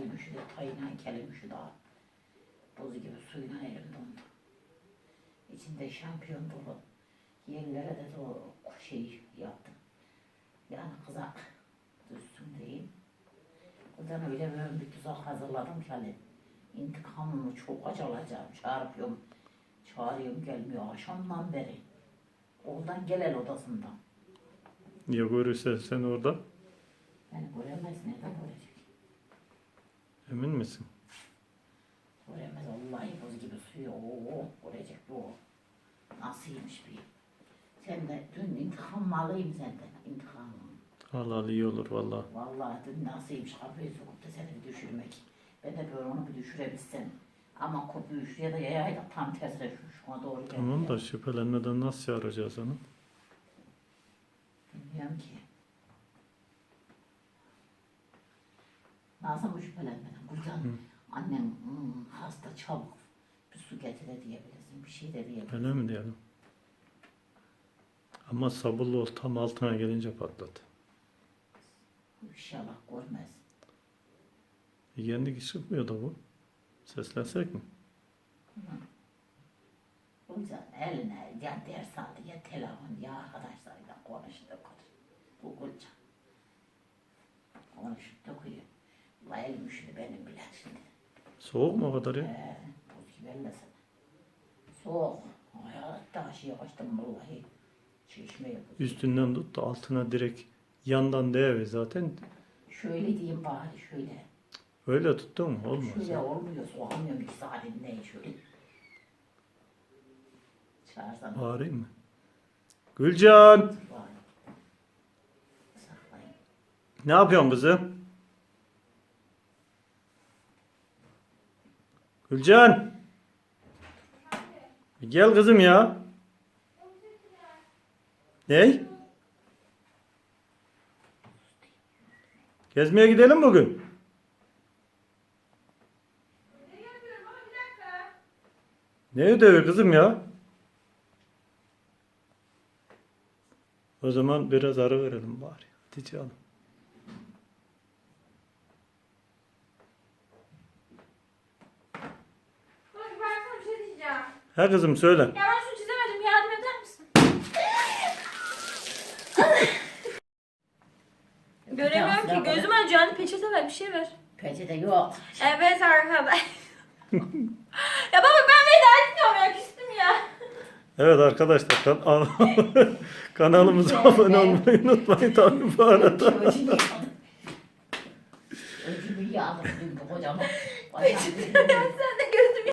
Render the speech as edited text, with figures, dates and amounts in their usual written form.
Elim üşüdü, tayına kelim üşüdü. Buz gibi suyuna elim dondu. İçinde şampiyon dolu. Yerlere de o şey yaptım. Yani kızak düşsün diyeyim. Buradan öyle böyle bir tuzak hazırladım ki hani intikamımı çok acı alacağım. Çağırıyorum gelmiyor akşamdan beri. Oradan gel odasından. Ya görürse sen orada? Yani göremez, nereden görecek? Emin misin? Göremez, vallahi buz gibi suyu, görecek bu. Nasılmış bir. Sen de dün intikam alayım senden, intikamımı. Allah iyi olur valla. Vallahi dün nasılmış kapıyı sokup da seni bir düşürmek. Ben de böyle onu bir düşürebilsem. Ama kopuyu şuraya da yayayla tam tersine şuna doğru geldi. Tamam da şüphelenmeden nasıl çağıracağız onu? Bilmiyorum ki. Nasıl mı şüphelenmeden? Buradan annem hasta çabuk bir su getir de diyebilirsin. Bir şey de diyebilirsin. Öyle mi diyelim? Ama sabırlı ol, tam altına gelince patlat. İnşallah görmez. Kendi çıkmıyor da bu. Seslensek mi? O yüzden eline ya ders aldı ya telefon ya arkadaşlarıyla konuştu. Bu koca. Konuşup dokuyor. La elim üşüdü benim bile şimdi. Soğuk mu o kadar ya? Buz gibi ellesene. Soğuk. Hayatta aşıya kaçtım vallahi. Çeşmeye buz. Üstünden tut da altına direkt yandan değve zaten. Şöyle diyeyim bari şöyle. Öyle tuttun mu? Olmaz. Şöyle Ya. olmuyor. Soğamıyorum ikisi halinde şöyle. Çağırsana. Bağırayım mı? Gülcan! Vay. Saklayın. Ne yapıyorsun kızım? Gülcan! Bir gel kızım ya. Ney? Gezmeye gidelim bugün. Ne ödevi kızım ya? O zaman biraz ara verelim bari. Hadi canım. Bak ben sana bir şey diyeceğim. Ha kızım söyle. Ya ben şunu çizemedim. Yardım eder misin? Göremiyorum ki. Gözüm acıyor. Hani peçete ver. Bir şey ver. Peçete yok. Evet arkadaş. Ya baba ben veda etmiyorum ya. Küstüm ya. Evet arkadaşlar kanalımıza abone olmayı unutmayın tabii bu arada. Öcümü yağdım dün kocaman. Peçete versene.